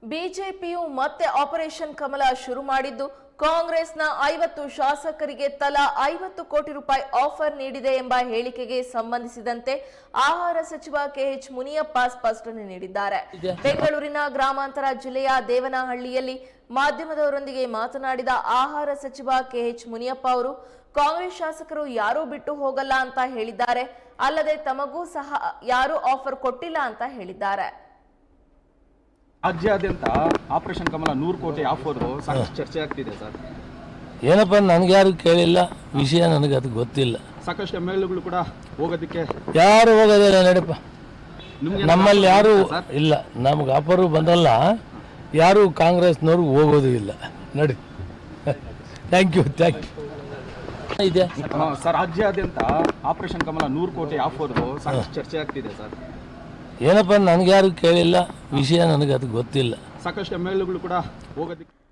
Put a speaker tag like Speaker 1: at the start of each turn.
Speaker 1: ಬಿಜೆಪಿಯು ಮತ್ತೆ ಆಪರೇಷನ್ ಕಮಲ ಶುರು ಮಾಡಿದ್ದು ಕಾಂಗ್ರೆಸ್ನ 50 ಶಾಸಕರಿಗೆ ತಲಾ 50 ಕೋಟಿ ರೂಪಾಯಿ ಆಫರ್ ನೀಡಿದೆ ಎಂಬ ಹೇಳಿಕೆಗೆ ಸಂಬಂಧಿಸಿದಂತೆ ಆಹಾರ ಸಚಿವ ಕೆಎಚ್ ಮುನಿಯಪ್ಪ ಸ್ಪಷ್ಟನೆ ನೀಡಿದ್ದಾರೆ. ಬೆಂಗಳೂರಿನ ಗ್ರಾಮಾಂತರ ಜಿಲ್ಲೆಯ ದೇವನಹಳ್ಳಿಯಲ್ಲಿ ಮಾಧ್ಯಮದವರೊಂದಿಗೆ ಮಾತನಾಡಿದ ಆಹಾರ ಸಚಿವ ಕೆಎಚ್ ಮುನಿಯಪ್ಪ ಅವರು ಕಾಂಗ್ರೆಸ್ ಶಾಸಕರು ಯಾರೂ ಬಿಟ್ಟು ಹೋಗಲ್ಲ ಅಂತ ಹೇಳಿದ್ದಾರೆ. ಅಲ್ಲದೆ ತಮಗೂ ಸಹ ಯಾರೂ ಆಫರ್ ಕೊಟ್ಟಿಲ್ಲ ಅಂತ ಹೇಳಿದ್ದಾರೆ.
Speaker 2: ರಾಜ್ಯಾದ್ಯಂತ ಆಪರೇಷನ್ ಕಮಲ 100 ಕೋಟಿ ಆಫರ್ ಸಾಕಷ್ಟು ಚರ್ಚೆ ಆಗ್ತಿದೆ ಸರ್.
Speaker 3: ಏನಪ್ಪ, ನನಗೆ ಯಾರು ಕೇಳಿಲ್ಲ, ವಿಷಯ ನನಗೆ ಅದು ಗೊತ್ತಿಲ್ಲ.
Speaker 2: ಸಾಕಷ್ಟು MLAಗಳು ಕೂಡ ಹೋಗೋದಕ್ಕೆ
Speaker 3: ಯಾರು ಹೋಗೋದಿಲ್ಲ ನಡೀಪ, ನಮ್ಮಲ್ಲಿ ಯಾರು ಇಲ್ಲ, ನಮ್ಗೆ ಆಫರು ಬಂದಲ್ಲ, ಯಾರು ಕಾಂಗ್ರೆಸ್ನವ್ರು ಹೋಗೋದು ಇಲ್ಲ. ನಡಿ, ಥ್ಯಾಂಕ್ ಯು ಇದೆ
Speaker 2: ಸರ್. ರಾಜ್ಯಾದ್ಯಂತ ಆಪರೇಷನ್ ಕಮಲ 100 ಕೋಟಿ ಆಫರ್ ಸಾಕಷ್ಟು ಚರ್ಚೆ ಆಗ್ತಿದೆ ಸರ್.
Speaker 3: ಏನಪ್ಪ, ನನಗೆ ಯಾರು ಕೇಳಿಲ್ಲ, ವಿಷಯ ನನಗೆ ಅದು ಗೊತ್ತಿಲ್ಲ.
Speaker 2: ಸಾಕಷ್ಟು MLAಗಳು ಕೂಡ ಹೋಗೋದಕ್ಕೆ